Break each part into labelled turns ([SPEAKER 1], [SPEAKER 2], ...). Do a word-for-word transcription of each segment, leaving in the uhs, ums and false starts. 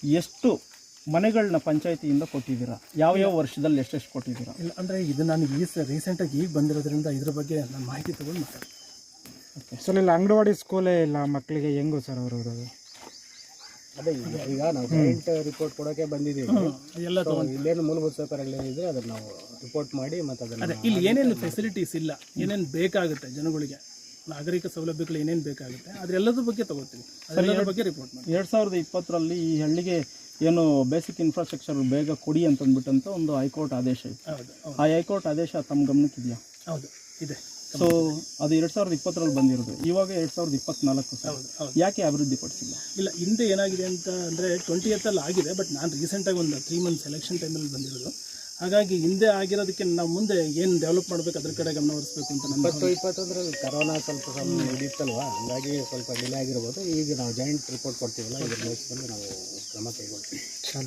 [SPEAKER 1] ಎಷ್ಟು ಮನೆಗಳನ್ನ ಪಂಚಾಯತಿಯಿಂದ ಕೊಟ್ಟಿದ್ದೀರಾ? ಯಾವ ಯಾವ ವರ್ಷದಲ್ಲಿ ಎಷ್ಟೆಷ್ಟು ಕೊಟ್ಟಿದ್ದೀರಾ?
[SPEAKER 2] ಇಲ್ಲ ಅಂದರೆ ಇದು ನಾನು ಈ ರೀಸೆಂಟಾಗಿ ಈಗ ಬಂದಿರೋದ್ರಿಂದ ಇದ್ರ ಬಗ್ಗೆ ನಾನು ಮಾಹಿತಿ ತೊಗೊಂಡು ಮಾತಾಡ್ತೀನಿ.
[SPEAKER 1] ಓಕೆ
[SPEAKER 3] ಸರ್, ಇಲ್ಲ ಅಂಗನವಾಡಿ ಸ್ಕೂಲೇ ಇಲ್ಲ ಮಕ್ಕಳಿಗೆ ಹೆಂಗೋ ಸರ್ ಅವರು ಇರೋದು?
[SPEAKER 4] ಅದೇ ಈಗ ಈಗ ನಾವು ಜಾಯಿಂಟ್ ರಿಪೋರ್ಟ್ ಕೊಡೋಕ್ಕೆ ಬಂದಿದ್ದೀವಿ.
[SPEAKER 2] ಎಲ್ಲ
[SPEAKER 4] ಇಲ್ಲೇನು ಮೂಲಭೂತ ಸೌಕರ್ಯಗಳೇನಿದೆ ಅದನ್ನು ನಾವು ರಿಪೋರ್ಟ್ ಮಾಡಿ ಮತ್ತು ಅದನ್ನು
[SPEAKER 2] ಅದೇ ಇಲ್ಲಿ ಏನೇನು ಫೆಸಿಲಿಟೀಸ್ ಇಲ್ಲ, ಏನೇನು ಬೇಕಾಗುತ್ತೆ ಜನಗಳಿಗೆ, ನಾಗರಿಕ ಸೌಲಭ್ಯಗಳು ಏನೇನು ಬೇಕಾಗುತ್ತೆ ಅದೆಲ್ಲದ್ರ ಬಗ್ಗೆ ತಗೋತೀವಿ, ಅದೆಲ್ಲದ್ರ ಬಗ್ಗೆ ರಿಪೋರ್ಟ್ ಮಾಡಿ.
[SPEAKER 1] ಎರಡು ಸಾವಿರದ ಇಪ್ಪತ್ತರಲ್ಲಿ ಈ ಹಳ್ಳಿಗೆ ಏನು ಬೇಸಿಕ್ ಇನ್ಫ್ರಾಸ್ಟ್ರಕ್ಚರ್ ಬೇಗ ಕೊಡಿ ಅಂತಂದ್ಬಿಟ್ಟಂತ ಒಂದು ಹೈಕೋರ್ಟ್ ಆದೇಶ ಇತ್ತು.
[SPEAKER 2] ಹೌದು ಹೌದು
[SPEAKER 1] ಆ ಹೈಕೋರ್ಟ್ ಆದೇಶ ತಮ್ಮ ಗಮನಕ್ಕಿದೆಯಾ?
[SPEAKER 2] ಹೌದು ಇದೆ.
[SPEAKER 1] ಸೊ ಅದು ಎರಡು ಸಾವಿರದ ಇಪ್ಪತ್ತರಲ್ಲಿ ಬಂದಿರೋದು, ಇವಾಗ ಎರಡು ಸಾವಿರದ ಇಪ್ಪತ್ನಾಲ್ಕು ಸರ್.
[SPEAKER 2] ಹೌದು ಹೌದು
[SPEAKER 1] ಯಾಕೆ ಅಭಿವೃದ್ಧಿ ಪಡಿಸಿಲ್ಲ?
[SPEAKER 2] ಇಲ್ಲ, ಹಿಂದೆ ಏನಾಗಿದೆ ಅಂತ ಅಂದರೆ ಟ್ವೆಂಟಿ ಏತಲ್ಲಿ ಆಗಿದೆ, ಬಟ್ ನಾನು ರೀಸೆಂಟಾಗಿ ಒಂದು ತ್ರೀ ಮಂತ್ಸ್ ಎಲೆಕ್ಷನ್ ಟೈಮಲ್ಲಿ ಬಂದಿರೋದು. ಹಾಗಾಗಿ ಹಿಂದೆ ಆಗಿರೋದಕ್ಕೆ ನಾವು ಮುಂದೆ ಏನು ಡೆವಲಪ್ ಮಾಡಬೇಕು ಅದ್ರ ಕಡೆ ಗಮನ ಹರಿಸಬೇಕು ಅಂತ ನನ್ನ
[SPEAKER 4] ಇಪ್ಪತ್ತು ಇಪ್ಪತ್ತೊಂದರಲ್ಲಿ ಕರೋನಾ ಸ್ವಲ್ಪ ಸ್ವಲ್ಪ ಹಿಡಿಯುತ್ತಲ್ವ, ಹಂಗಾಗಿ ಸ್ವಲ್ಪ ಡಿಲೇ ಆಗಿರ್ಬೋದು. ಈಗ ನಾವು ಜಾಯಿಂಟ್ ರಿಪೋರ್ಟ್ ಕೊಡ್ತೀವಲ್ಲ, ಇದರ ನೋಡ್ಕೊಂಡು ನಾವು ಕ್ರಮ ಕೈಗೊಳ್ತೀವಿ.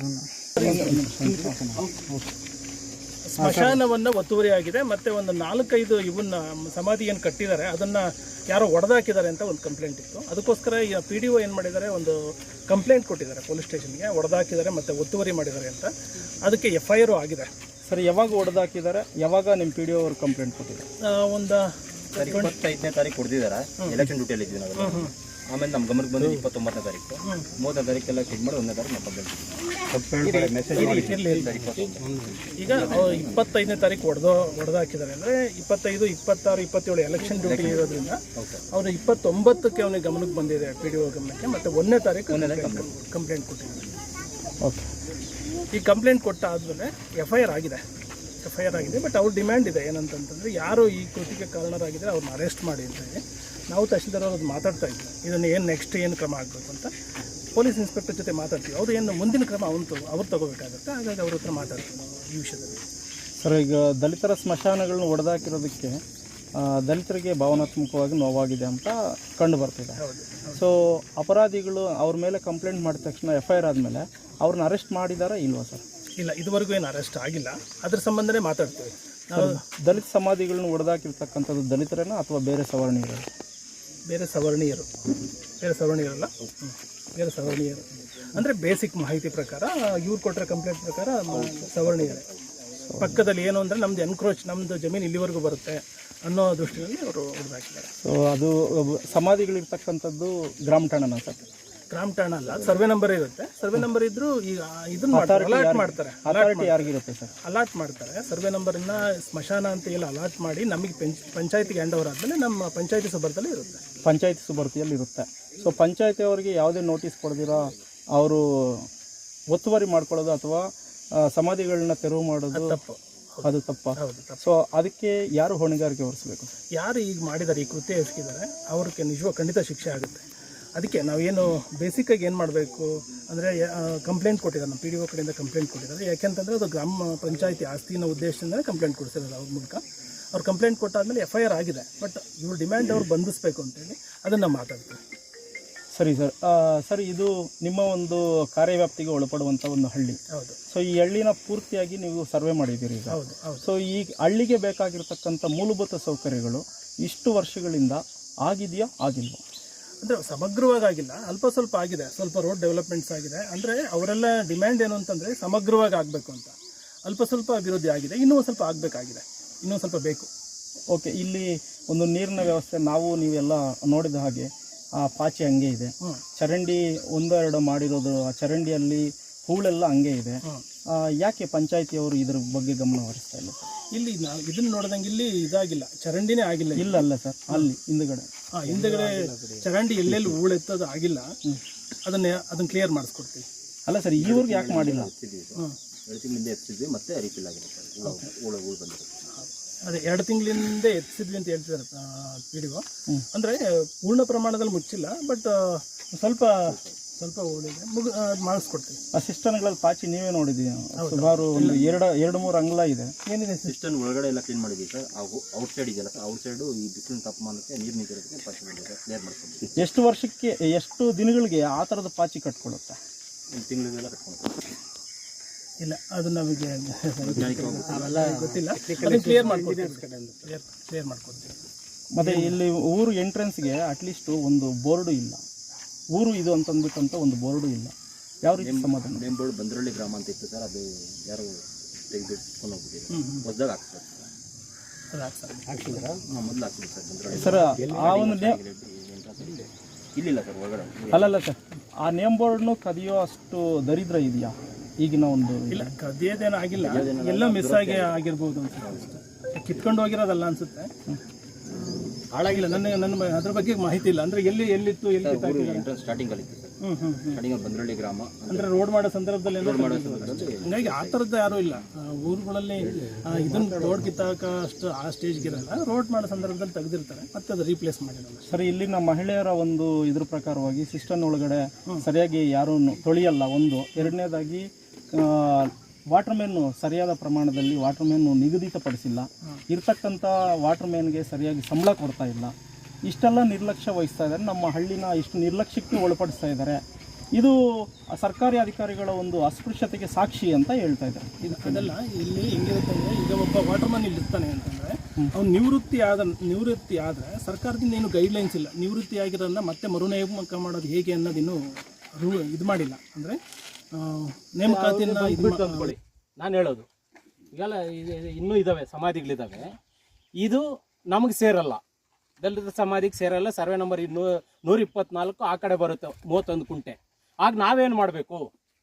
[SPEAKER 2] ಸ್ಮಶಾನವನ್ನು ಒತ್ತುವರಿ ಆಗಿದೆ, ಮತ್ತು ಒಂದು ನಾಲ್ಕೈದು ಇವನ್ನ ಸಮಾಧಿ ಏನು ಕಟ್ಟಿದ್ದಾರೆ ಅದನ್ನು ಯಾರೋ ಒಡೆದಾಕಿದ್ದಾರೆ ಅಂತ ಒಂದು ಕಂಪ್ಲೇಂಟ್ ಇತ್ತು. ಅದಕ್ಕೋಸ್ಕರ ಈಗ ಪಿ ಡಿ ಒ ಏನು ಮಾಡಿದ್ದಾರೆ, ಒಂದು ಕಂಪ್ಲೇಂಟ್ ಕೊಟ್ಟಿದ್ದಾರೆ ಪೊಲೀಸ್ ಸ್ಟೇಷನ್ಗೆ, ಒಡೆದಾಕಿದ್ದಾರೆ ಮತ್ತು ಒತ್ತುವರಿ ಮಾಡಿದ್ದಾರೆ ಅಂತ. ಅದಕ್ಕೆ ಎಫ್ ಐ ಆರು ಆಗಿದೆ.
[SPEAKER 1] ಸರ್, ಯಾವಾಗ ಹೊಡೆದಾಕಿದ್ದಾರೆ, ಯಾವಾಗ ನಿಮ್ಮ ಪಿ ಡಿ ಒ ಅವರು ಕಂಪ್ಲೇಂಟ್ ಕೊಟ್ಟಿದ್ದಾರೆ?
[SPEAKER 2] ಒಂದು
[SPEAKER 5] ಇಪ್ಪತ್ತೈದನೇ ತಾರೀಕು ಕೊಡ್ತಿದ್ದಾರೆ, ಎಲೆಕ್ಷನ್ ಡ್ಯೂಟಿಯಲ್ಲಿ ಇದ್ವಿ ನಾವು. ಆಮೇಲೆ ನಮ್ಮ ಗಮನಕ್ಕೆ ಬಂದು ಇಪ್ಪತ್ತೊಂಬತ್ತನೇ ತಾರೀಕು ಮೂವತ್ತನೇ ತಾರೀಕೆಲ್ಲ ಕ್ಲಿಕ್ ಮಾಡಿ ಒಂದನೇ ತಾರೀಕು ನಮ್ಮ ಮೆಸೇಜ್
[SPEAKER 2] ಈಗ ಇಪ್ಪತ್ತೈದನೇ ತಾರೀಕು ಹೊಡೆದು ಹೊಡೆದಾಕಿದ್ದಾರೆ ಅಂದರೆ ಇಪ್ಪತ್ತೈದು ಇಪ್ಪತ್ತಾರು ಇಪ್ಪತ್ತೇಳು ಎಲೆಕ್ಷನ್ ಡ್ಯೂಟಿ ಇರೋದ್ರಿಂದ ಅವರು ಇಪ್ಪತ್ತೊಂಬತ್ತಕ್ಕೆ ಅವನಿಗೆ ಗಮನಕ್ಕೆ ಬಂದಿದೆ, ಪಿ ಡಿ ಒ ಗಮನಕ್ಕೆ. ಮತ್ತು ಒಂದನೇ ತಾರೀಕು ಕಂಪ್ಲೇಂಟ್ ಕೊಟ್ಟಿದ್ದಾರೆ.
[SPEAKER 1] ಓಕೆ,
[SPEAKER 2] ಈ ಕಂಪ್ಲೇಂಟ್ ಕೊಟ್ಟ ಆದಮೇಲೆ ಎಫ್ ಐ ಆರ್ ಆಗಿದೆ ಎಫ್ ಐ ಆರ್ ಆಗಿದೆ ಬಟ್ ಅವ್ರ ಡಿಮ್ಯಾಂಡ್ ಇದೆ ಏನಂತಂತಂದರೆ, ಯಾರು ಈ ಕೃತಿಗೆ ಕಾರಣರಾಗಿದ್ದರೆ ಅವ್ರನ್ನ ಅರೆಸ್ಟ್ ಮಾಡಿ ಅಂತ ಹೇಳಿ. ನಾವು ತಹಶೀಲ್ದಾರ್ ಅವ್ರದ್ದು ಮಾತಾಡ್ತಾ ಇದ್ವಿ, ಇದನ್ನು ಏನು ನೆಕ್ಸ್ಟ್ ಏನು ಕ್ರಮ ಆಗಬೇಕು ಅಂತ. ಪೊಲೀಸ್ ಇನ್ಸ್ಪೆಕ್ಟರ್ ಜೊತೆ ಮಾತಾಡ್ತೀವಿ, ಅವರು ಏನು ಮುಂದಿನ ಕ್ರಮ ಅವನು ಅವ್ರು ತಗೋಬೇಕಾಗುತ್ತೆ. ಹಾಗಾಗಿ ಅವ್ರ ಹತ್ರ ಮಾತಾಡ್ತೀವಿ ನಾವು ಈ ವಿಷಯದಲ್ಲಿ.
[SPEAKER 1] ಸರ್, ಈಗ ದಲಿತರ ಸ್ಮಶಾನಗಳನ್ನ ಹೊಡೆದಾಕಿರೋದಕ್ಕೆ ದಲಿತರಿಗೆ ಭಾವನಾತ್ಮಕವಾಗಿ ನೋವಾಗಿದೆ ಅಂತ ಕಂಡು ಬರ್ತಿದೆ. ಸೊ ಅಪರಾಧಿಗಳು ಅವ್ರ ಮೇಲೆ ಕಂಪ್ಲೇಂಟ್ ಮಾಡಿದ ತಕ್ಷಣ ಎಫ್ ಐ ಆರ್ ಆದಮೇಲೆ ಅವ್ರನ್ನ ಅರೆಸ್ಟ್ ಮಾಡಿದಾರಾ ಇಲ್ವಾ ಸರ್?
[SPEAKER 2] ಇಲ್ಲ, ಇದುವರೆಗೂ ಏನು ಅರೆಸ್ಟ್ ಆಗಿಲ್ಲ. ಅದ್ರ ಸಂಬಂಧನೇ ಮಾತಾಡ್ತೀವಿ ನಾವು.
[SPEAKER 1] ದಲಿತ ಸಮಾಧಿಗಳನ್ನ ಹೊಡೆದಾಕಿರ್ತಕ್ಕಂಥದ್ದು ದಲಿತರೇನ ಅಥವಾ ಬೇರೆ ಸವರ್ಣೀಯರು?
[SPEAKER 2] ಬೇರೆ ಸವರ್ಣೀಯರು ಬೇರೆ ಸವರ್ಣೀಯರಲ್ಲ ಬೇರೆ ಸವರ್ಣೀಯರು ಅಂದರೆ ಬೇಸಿಕ್ ಮಾಹಿತಿ ಪ್ರಕಾರ ಇವ್ರು ಕೊಟ್ಟರೆ ಕಂಪ್ಲೇಂಟ್ ಪ್ರಕಾರ ಸವರ್ಣೀಯರೇ. ಪಕ್ಕದಲ್ಲಿ ಏನು ಅಂದರೆ ನಮ್ಮದು ಎನ್ಕ್ರೋಚ್, ನಮ್ಮದು ಜಮೀನು ಇಲ್ಲಿವರೆಗೂ ಬರುತ್ತೆ ಅನ್ನೋ ದೃಷ್ಟಿಯಲ್ಲಿ ಅವರು ಹೊಡೆದಾಕಿದ್ದಾರೆ.
[SPEAKER 1] ಸೊ ಅದು ಸಮಾಧಿಗಳಿರ್ತಕ್ಕಂಥದ್ದು ಗ್ರಾಮ ಠಾಣನ ಸರ್?
[SPEAKER 2] ಗ್ರಾಮ ಠಾಣ ಅಲ್ಲ, ಸರ್ವೆ ನಂಬರ್ ಇರುತ್ತೆ. ಸರ್ವೆ ನಂಬರ್ ಇದ್ರೂ ಈಗ ಇದನ್ನ ಅಲಾಟ್ ಮಾಡ್ತಾರೆ.
[SPEAKER 1] ಅಥಾರಿಟಿ ಯಾರಿಗಿರುತ್ತೆ ಸರ್?
[SPEAKER 2] ಅಲಾಟ್ ಮಾಡ್ತಾರೆ. ಸರ್ವೆ ನಂಬರನ್ನ ಸ್ಮಶಾನ ಅಂತ ಎಲ್ಲ ಅಲಾಟ್ ಮಾಡಿ ನಮಗೆ ಪಂಚ್ ಪಂಚಾಯತಿಗೆ ಹ್ಯಾಂಡ್ ಓವರ್ ಆದಮೇಲೆ ನಮ್ಮ ಪಂಚಾಯತಿ ಸುಬರ್ದಲ್ಲಿ ಇರುತ್ತೆ.
[SPEAKER 1] ಪಂಚಾಯತಿ ಸುಬರ್ತಿಯಲ್ಲಿ ಇರುತ್ತೆ. ಸೊ ಪಂಚಾಯತಿ ಅವರಿಗೆ ಯಾವುದೇ ನೋಟಿಸ್ ಕೊಡದಿರೋ ಅವರು ಒತ್ತುವರಿ ಮಾಡ್ಕೊಳ್ಳೋದು ಅಥವಾ ಸಮಾಧಿಗಳನ್ನ ತೆರವು ಮಾಡೋದು
[SPEAKER 2] ತಪ್ಪು.
[SPEAKER 1] ಅದು ತಪ್ಪ?
[SPEAKER 2] ಹೌದು, ತಪ್ಪು.
[SPEAKER 1] ಸೊ ಅದಕ್ಕೆ ಯಾರು ಹೊಣೆಗಾರಿಕೆ ಹೊರಿಸಬೇಕು?
[SPEAKER 2] ಯಾರು ಈಗ ಮಾಡಿದ್ದಾರೆ, ಈ ಕೃತ್ಯ ಎಸಗಿದ್ದಾರೆ, ಅವ್ರಿಗೆ ನಿಜವಾಗ ಖಂಡಿತ ಶಿಕ್ಷೆ ಆಗುತ್ತೆ. ಅದಕ್ಕೆ ನಾವೇನು ಬೇಸಿಕ್ಕಾಗಿ ಏನು ಮಾಡಬೇಕು ಅಂದರೆ, ಕಂಪ್ಲೇಂಟ್ ಕೊಟ್ಟಿದ್ದಾರೆ, ನಮ್ಮ ಪಿ ಡಿ ಒ ಕಡೆಯಿಂದ ಕಂಪ್ಲೇಂಟ್ ಕೊಟ್ಟಿದ್ದಾರೆ. ಯಾಕೆಂತಂದರೆ ಅದು ಗ್ರಾಮ ಪಂಚಾಯತಿ ಆಸ್ತಿನ ಉದ್ದೇಶದಿಂದ ಕಂಪ್ಲೇಂಟ್ ಕೊಡಿಸಿರೋದು ಅವ್ರ ಮೂಲಕ. ಅವ್ರು ಕಂಪ್ಲೇಂಟ್ ಕೊಟ್ಟಾದಮೇಲೆ ಎಫ್ ಐ ಆರ್ ಆಗಿದೆ. ಬಟ್ ಇವ್ರ ಡಿಮ್ಯಾಂಡ್ ಅವ್ರು ಬಂಧಿಸಬೇಕು ಅಂತೇಳಿ ಅದನ್ನು ಮಾತಾಡ್ತೀವಿ.
[SPEAKER 1] ಸರಿ ಸರ್. ಸರ್, ಇದು ನಿಮ್ಮ ಒಂದು ಕಾರ್ಯವ್ಯಾಪ್ತಿಗೆ ಒಳಪಡುವಂಥ ಒಂದು ಹಳ್ಳಿ.
[SPEAKER 2] ಹೌದು.
[SPEAKER 1] ಸೊ ಈ ಹಳ್ಳಿನ ಪೂರ್ತಿಯಾಗಿ ನೀವು ಸರ್ವೆ ಮಾಡಿದ್ದೀರಿ ಈಗ.
[SPEAKER 2] ಹೌದು ಹೌದು.
[SPEAKER 1] ಸೊ ಈ ಹಳ್ಳಿಗೆ ಬೇಕಾಗಿರ್ತಕ್ಕಂಥ ಮೂಲಭೂತ ಸೌಕರ್ಯಗಳು ಇಷ್ಟು ವರ್ಷಗಳಿಂದ ಆಗಿದೆಯಾ, ಆಗಿಲ್ವಾ?
[SPEAKER 2] ಅಂದರೆ ಸಮಗ್ರವಾಗಿಲ್ಲ, ಅಲ್ಪ ಸ್ವಲ್ಪ ಆಗಿದೆ. ಸ್ವಲ್ಪ ರೋಡ್ ಡೆವಲಪ್ಮೆಂಟ್ಸ್ ಆಗಿದೆ. ಅಂದರೆ ಅವರೆಲ್ಲ ಡಿಮ್ಯಾಂಡ್ ಏನು ಅಂತಂದರೆ ಸಮಗ್ರವಾಗಿ ಆಗಬೇಕು ಅಂತ. ಅಲ್ಪ ಸ್ವಲ್ಪ ಅಭಿವೃದ್ಧಿ ಆಗಿದೆ, ಇನ್ನೂ ಸ್ವಲ್ಪ ಆಗಬೇಕಾಗಿದೆ, ಇನ್ನೂ ಸ್ವಲ್ಪ ಬೇಕು.
[SPEAKER 1] ಓಕೆ, ಇಲ್ಲಿ ಒಂದು ನೀರಿನ ವ್ಯವಸ್ಥೆ ನಾವು ನೀವೆಲ್ಲ ನೋಡಿದ ಹಾಗೆ ಆ ಪಾಚಿ ಹಂಗೆ ಇದೆ, ಚರಂಡಿ ಒಂದೆರಡು ಮಾಡಿರೋದು, ಆ ಚರಂಡಿಯಲ್ಲಿ ಹೂಳೆಲ್ಲ ಹಂಗೆ ಇದೆ. ಯಾಕೆ ಪಂಚಾಯತಿಯವರು ಇದ್ರ ಬಗ್ಗೆ ಗಮನ ಹರಿಸ್ತಾ ಇಲ್ಲ ಸರ್?
[SPEAKER 2] ಇಲ್ಲಿ ನಾವು ಇದನ್ನು ನೋಡಿದಂಗೆ ಇಲ್ಲಿ ಇದಾಗಿಲ್ಲ, ಚರಂಡಿನೇ ಆಗಿಲ್ಲ.
[SPEAKER 1] ಇಲ್ಲ ಅಲ್ಲ ಸರ್, ಅಲ್ಲಿ ಹಿಂದುಗಡೆ
[SPEAKER 2] ಹಾಂ ಹಿಂದುಗಡೆ ಚರಂಡಿ ಎಲ್ಲೆಲ್ಲಿ ಹೂಳೆತ್ತೋದು ಆಗಿಲ್ಲ, ಅದನ್ನೇ ಅದನ್ನು ಕ್ಲಿಯರ್ ಮಾಡಿಸ್ಕೊಡ್ತೀವಿ.
[SPEAKER 1] ಅಲ್ಲ ಸರ್, ಈವರೆಗೆ ಯಾಕೆ ಮಾಡಿಲ್ಲ?
[SPEAKER 2] ಹಾಂ,
[SPEAKER 5] ಎರಡು ತಿಂಗಳಿಂದ ಎತ್ತಿದ್ವಿ, ಮತ್ತೆ ರೀಫಿಲ್ ಆಗಿದೆ ಸರ್. ಹೂಳು ಹೂಳು ಬಂದಿರುತ್ತೆ.
[SPEAKER 2] ಅದೇ ಎರಡು ತಿಂಗಳಿಂದ ಎತ್ತಿಸಿದ್ವಿ ಅಂತ ಹೇಳ್ತಿದ್ದಾರೆ ಪಿ ಡಿ ಒ. ಅಂದರೆ ಪೂರ್ಣ ಪ್ರಮಾಣದಲ್ಲಿ ಮುಚ್ಚಿಲ್ಲ, ಬಟ್ ಸ್ವಲ್ಪ ಸ್ವಲ್ಪ ಉಳಿದೆ, ಮುಗ ಮಾಡಿಸ್ಕೊಡ್ತೀವಿ.
[SPEAKER 1] ಆ ಸಿಸ್ಟಮ್ಗಳಲ್ಲಿ ಪಾಚಿ ನೀವೇ ನೋಡಿದ್ದೀವಿ, ಸುಮಾರು ಒಂದು ಎರಡು ಎರಡು ಮೂರು ಅಂಗ್ಲ ಇದೆ.
[SPEAKER 2] ಏನಿದೆ
[SPEAKER 5] ಸಿಸ್ಟಮ್ ಒಳಗಡೆ ಎಲ್ಲ ಕ್ಲೀನ್ ಮಾಡಿದ್ವಿ ಸರ್. ಔಟ್ ಸೈಡ್ ಇದೆಯಲ್ಲ ಸರ್, ಔಟ್ ಸೈಡು ಈ ಬಿಸಿಲಿನ ತಾಪಮಾನಕ್ಕೆ ನೀರು ನಿಂತಿರೋದಕ್ಕೆ ಪಾಚಿ ಬಂದಿದೆ, ಕ್ಲಿಯರ್ ಮಾಡ್ಕೊಂಡು.
[SPEAKER 1] ಎಷ್ಟು ವರ್ಷಕ್ಕೆ ಎಷ್ಟು ದಿನಗಳಿಗೆ ಆ ಥರದ ಪಾಚಿ ಕಟ್ಕೊಡುತ್ತೆ?
[SPEAKER 5] ಒಂದು ತಿಂಗಳಿಗೆಲ್ಲ ಕಟ್ಕೊಂಡು
[SPEAKER 2] ಇಲ್ಲ, ಅದು ನಮಗೆ ಅವೆಲ್ಲ ಗೊತ್ತಿಲ್ಲ. ಅದನ್ನು ಕ್ಲಿಯರ್ ಮಾಡ್ಕೊಡ್ತೀವಿ, ಕ್ಲಿಯರ್ ಕ್ಲಿಯರ್ ಮಾಡ್ಕೊಡ್ತೀವಿ.
[SPEAKER 1] ಮತ್ತು ಇಲ್ಲಿ ಊರು ಎಂಟ್ರೆನ್ಸ್ಗೆ ಅಟ್ಲೀಸ್ಟು ಒಂದು ಬೋರ್ಡು ಇಲ್ಲ, ಊರು ಇದು ಅಂತಂದ್ಬಿಟ್ಟಂತ ಒಂದು ಬೋರ್ಡು ಇಲ್ಲ. ಯಾವ ರೀತಿ ಸಮಾಧಾನ?
[SPEAKER 5] ನೇಮ್ ಬೋರ್ಡ್ ಬಂದ್ರಳ್ಳಿ ಗ್ರಾಮ ಅಂತ ಇತ್ತು ಸರ್, ಅದು ಯಾರು ತೆಗೆದಿಟ್ಕೊಂಡು ಹೋಗ್ಬಿಟ್ಟಿದ್ರು. ಹೊಸದಾಗ ಹಾಕ್ತಾರೆ
[SPEAKER 2] ಅದು ಹಾಕ್ತಾರೆ.
[SPEAKER 4] ಹಾಕ್ಸಿದ್ರಾ?
[SPEAKER 5] ಹಾಂ, ಮೊದಲು ಹಾಕ್ಸಿದ್ರು ಸರ್ ಬಂದ್ರಳ್ಳಿ.
[SPEAKER 1] ಸರ್ ಆ ಒಂದು ನೇಮ್
[SPEAKER 5] ಇಲ್ಲಿಲ್ಲ ಸರ್ ಹೊರಗಡೆ.
[SPEAKER 1] ಅಲ್ಲಲ್ಲ ಸರ್, ಆ ನೇಮ್ ಬೋರ್ಡ್ನು ಕದಿಯೋ ಅಷ್ಟು ದರಿದ್ರ ಇದೆಯಾ ಈಗಿನ ಒಂದು?
[SPEAKER 2] ಇಲ್ಲ, ಕದಿಯೋದೇನು ಆಗಿಲ್ಲ, ಎಲ್ಲ ಮಿಸ್ ಆಗಿ ಆಗಿರ್ಬೋದು ಅನ್ಸುತ್ತೆ. ಕಿತ್ಕೊಂಡು ಹೋಗಿರೋದಲ್ಲ ಅನ್ಸುತ್ತೆ, ಹಾಳಾಗಿಲ್ಲ. ನನ್ನ ನನ್ನ ಅದ್ರ ಬಗ್ಗೆ ಮಾಹಿತಿ ಇಲ್ಲ. ಅಂದ್ರೆ ಎಲ್ಲಿ ಎಲ್ಲಿತ್ತು ಎಲ್ಲಿ
[SPEAKER 5] ಎಂಟ್ರೆನ್ಸ್ ಸ್ಟಾರ್ಟಿಂಗ್ ಅಲ್ಲಿ ಇತ್ತು ಸರ್.
[SPEAKER 2] ಹ್ಮ್ ಹ್ಮ್ ಹ್ಮ್
[SPEAKER 5] ಸ್ಟಾರ್ಟಿಂಗ್ ಬಂದ್ರಳ್ಳಿ ಗ್ರಾಮ
[SPEAKER 2] ಅಂದ್ರೆ ರೋಡ್ ಮಾಡೋ ಸಂದರ್ಭದಲ್ಲಿ ಏನೋ
[SPEAKER 5] ಮಾಡೋ ಸಂದರ್ಭದಲ್ಲಿ
[SPEAKER 2] ಹಂಗಾಗಿ ಆ ಥರದ್ದು ಯಾರೂ ಇಲ್ಲ. ಆ, ಊರುಗಳಲ್ಲಿ ಆ, ಇದನ್ನ ರೋಡ್ ಕಿತ್ತಾಕ ಅಷ್ಟು ಆ ಸ್ಟೇಜ್ಗೆ ಇರಲ್ಲ. ರೋಡ್ ಮಾಡೋ ಸಂದರ್ಭದಲ್ಲಿ ತೆಗೆದಿರ್ತಾರೆ, ಮತ್ತೆ ಅದು ರೀಪ್ಲೇಸ್ ಮಾಡಿರಲ್ಲ.
[SPEAKER 1] ಸರ್, ಇಲ್ಲಿನ ಮಹಿಳೆಯರ ಒಂದು ಇದ್ರ ಪ್ರಕಾರವಾಗಿ ಸಿಸ್ಟಮ್ ಒಳಗಡೆ ಸರಿಯಾಗಿ ಯಾರೂ ತೊಳಿಯಲ್ಲ ಒಂದು. ಎರಡನೇದಾಗಿ ವಾಟರ್ ಮ್ಯಾನು ಸರಿಯಾದ ಪ್ರಮಾಣದಲ್ಲಿ ವಾಟರ್ ಮ್ಯಾನು ನಿಗದಿತಪಡಿಸಿಲ್ಲ. ಇರ್ತಕ್ಕಂಥ ವಾಟರ್ ಮ್ಯಾನ್ಗೆ ಸರಿಯಾಗಿ ಸಂಬಳ ಕೊಡ್ತಾ ಇಲ್ಲ. ಇಷ್ಟೆಲ್ಲ ನಿರ್ಲಕ್ಷ್ಯ ವಹಿಸ್ತಾ ಇದ್ದಾರೆ. ನಮ್ಮ ಹಳ್ಳಿನ ಇಷ್ಟು ನಿರ್ಲಕ್ಷ್ಯಕ್ಕೆ ಒಳಪಡಿಸ್ತಾ ಇದ್ದಾರೆ. ಇದು ಸರ್ಕಾರಿ ಅಧಿಕಾರಿಗಳ ಒಂದು ಅಸ್ಪೃಶ್ಯತೆಗೆ ಸಾಕ್ಷಿ ಅಂತ ಹೇಳ್ತಾ ಇದ್ದಾರೆ.
[SPEAKER 2] ಇದು ಅದೆಲ್ಲ ಇಲ್ಲಿ ಹೆಂಗಿರುತ್ತೆ ಅಂದರೆ, ಈಗ ಒಬ್ಬ ವಾಟರ್ ಮ್ಯಾನ್ ಇಲ್ಲಿ ಇರ್ತಾನೆ ಅಂತಂದರೆ ಅವ್ನು ನಿವೃತ್ತಿ ಆದ ನಿವೃತ್ತಿ ಆದರೆ ಸರ್ಕಾರದಿಂದ ಏನು ಗೈಡ್ಲೈನ್ಸ್ ಇಲ್ಲ. ನಿವೃತ್ತಿ ಆಗಿರೋದನ್ನ ಮತ್ತೆ ಮರುನೇಮಕ ಮಾಡೋದು ಹೇಗೆ ಅನ್ನೋದಿನ್ನೂ ರೂ ಇದು ಮಾಡಿಲ್ಲ. ಅಂದರೆ ನೇಮಕಾತಿಯನ್ನು ಇದು
[SPEAKER 6] ಅಂದ್ಕೊಳ್ಳಿ. ನಾನು ಹೇಳೋದು ಈಗೆಲ್ಲ ಇದು ಇನ್ನೂ ಇದ್ದಾವೆ, ಸಮಾಧಿಗಳಿದ್ದಾವೆ. ಇದು ನಮಗೆ ಸೇರಲ್ಲ, ದಲಿತ ಸಮಾಧಿಗೆ ಸೇರಲ್ಲ. ಸರ್ವೆ ನಂಬರ್ ಇನ್ನೂ ನೂರ ಇಪ್ಪತ್ನಾಲ್ಕು ಆ ಕಡೆ ಬರುತ್ತೆ, ಮೂವತ್ತೊಂದು ಕುಂಟೆ. ಆಗ ನಾವೇನು ಮಾಡಬೇಕು?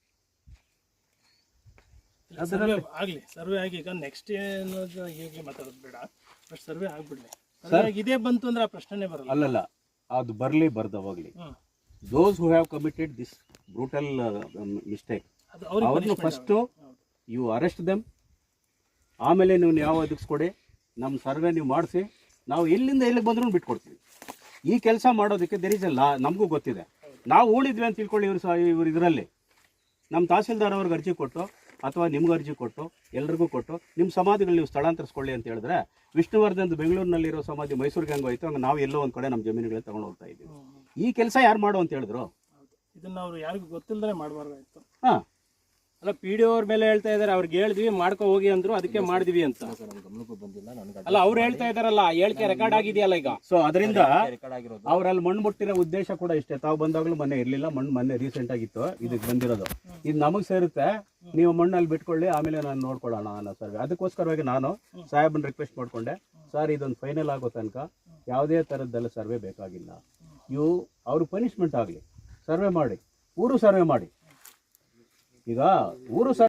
[SPEAKER 2] ಸರ್ವೆ ಆಗಲಿ, ಸರ್ವೆ ಆಗಿ ಈಗ ನೆಕ್ಸ್ಟ್ ಏನೋದು ಈಗಲೇ ಮಾತಾಡೋದು ಬೇಡ. But survey ಆಗಿಬಿಡಲಿ. ಸರ್ವೆ ಇದೇ ಬಂತು ಅಂದ್ರೆ ಆ ಪ್ರಶ್ನೆನೇ ಬರಲ್ಲ.
[SPEAKER 7] ಅಲ್ಲಲ್ಲ, ಅದು ಬರಲಿ ಬರ್ದವಾಗಲಿ.
[SPEAKER 2] ಹ್ಮ್.
[SPEAKER 7] Those who have committed this brutal mistake,
[SPEAKER 2] ಅದು ಅವ್ರಿಗೆ
[SPEAKER 7] ಅವ್ರನ್ನು ಫಸ್ಟು ಯು ಅರೆಸ್ಟ್ ದೆಮ್. ಆಮೇಲೆ ನೀವು ಯಾವ ಒದಗಿಸ್ಕೊಡಿ, ನಮ್ಮ ಸರ್ವೆ ನೀವು ಮಾಡಿಸಿ, ನಾವು ಎಲ್ಲಿಂದ ಎಲ್ಲಿಗೆ ಬಂದ್ರೂ ಬಿಟ್ಕೊಡ್ತೀವಿ. ಈ ಕೆಲಸ ಮಾಡೋದಕ್ಕೆ ದೇರ್ ಇಸ್ ಅಲ್ಲ, ನಮಗೂ ಗೊತ್ತಿದೆ. ನಾವು ಉಳಿದ್ವಿ ಅಂತ ತಿಳ್ಕೊಳ್ಳಿ. ಇವರು ಸಹ ಇವರು ಇದರಲ್ಲಿ ನಮ್ಮ ತಹಸೀಲ್ದಾರ್ ಅವ್ರಿಗೆ ಅರ್ಜಿ ಕೊಟ್ಟು ಅಥವಾ ನಿಮ್ಗೆ ಅರ್ಜಿ ಕೊಟ್ಟು ಎಲ್ರಿಗೂ ಕೊಟ್ಟು ನಿಮ್ಮ ಸಮಾಧಿಗಳು ನೀವು ಸ್ಥಳಾಂತರಿಸ್ಕೊಳ್ಳಿ ಅಂತ ಹೇಳಿದ್ರೆ, ವಿಷ್ಣುವರ್ಧನ್ ಬೆಂಗಳೂರಿನಲ್ಲಿರೋ ಸಮಾಧಿ ಮೈಸೂರಿಗೆ ಹೆಂಗೆ ಹೋಯ್ತು ಹಂಗೆ ನಾವು ಎಲ್ಲೋ ಒಂದು ಕಡೆ ನಮ್ಮ ಜಮೀನುಗಳನ್ನ ತಗೊಂಡು ಹೋಗ್ತಾ ಇದ್ದೀವಿ. ಈ ಕೆಲಸ ಯಾರು ಮಾಡು ಅಂತ ಹೇಳಿದ್ರು?
[SPEAKER 2] ಇದನ್ನ ಅವ್ರು ಯಾರಿಗೂ ಗೊತ್ತಿಲ್ಲದೆ ಮಾಡಬಾರ್ದಾಯ್ತು.
[SPEAKER 7] ಹಾಂ,
[SPEAKER 6] ಅಲ್ಲ, ಪಿ ಡಿ ಅವ್ರ ಮೇಲೆ ಹೇಳ್ತಾ ಇದ್ದಾರೆ, ಅವ್ರಿಗೆ ಹೇಳಿದ್ವಿ ಮಾಡ್ಕೊ ಹೋಗಿ ಅಂದ್ರು, ಅದಕ್ಕೆ ಮಾಡಿದ್ವಿ ಅಂತ.
[SPEAKER 5] ಗಮನಕ್ಕೂ ಬಂದಿಲ್ಲ ನನಗೆ.
[SPEAKER 6] ಅಲ್ಲ, ಅವ್ರು ಹೇಳ್ತಾ ಇದಾರಲ್ಲ, ಹೇಳಿಕೆ ರೆಕಾರ್ಡ್ ಆಗಿದೆಯಲ್ಲ ಈಗ.
[SPEAKER 7] ಸೊ ಅದರಿಂದ
[SPEAKER 5] ರೆಕಾರ್ಡ್ ಆಗಿರೋದು
[SPEAKER 7] ಅವರಲ್ಲಿ ಮಣ್ಣು ಮುಟ್ಟಿರೋ ಉದ್ದೇಶ ಕೂಡ ಇಷ್ಟೇ. ತಾವು ಬಂದಾಗಲೂ ಮೊನ್ನೆ ಇರಲಿಲ್ಲ, ಮಣ್ಣು ಮೊನ್ನೆ ರೀಸೆಂಟ್ ಆಗಿತ್ತು ಇದಕ್ಕೆ ಬಂದಿರೋದು. ಇದು ನಮಗೆ ಸೇರುತ್ತೆ, ನೀವು ಮಣ್ಣಲ್ಲಿ ಬಿಟ್ಕೊಳ್ಳಿ, ಆಮೇಲೆ ನಾನು ನೋಡ್ಕೊಳ್ಳೋಣ ಅನ್ನೋ ಸರ್ವೆ. ಅದಕ್ಕೋಸ್ಕರವಾಗಿ ನಾನು ಸಾಹೇಬನ್ ರಿಕ್ವೆಸ್ಟ್ ಮಾಡಿಕೊಂಡೆ, ಸರ್ ಇದೊಂದು ಫೈನಲ್ ಆಗೋ ತನಕ ಯಾವುದೇ ಥರದ್ದೆಲ್ಲ ಸರ್ವೆ ಬೇಕಾಗಿಲ್ಲ. ಇವು ಅವ್ರಿಗೆ ಪನಿಷ್ಮೆಂಟ್ ಆಗಲಿ, ಸರ್ವೆ ಮಾಡಿ, ಊರು ಸರ್ವೆ ಮಾಡಿ. ಈಗ ಊರು ಸರ್ವೆ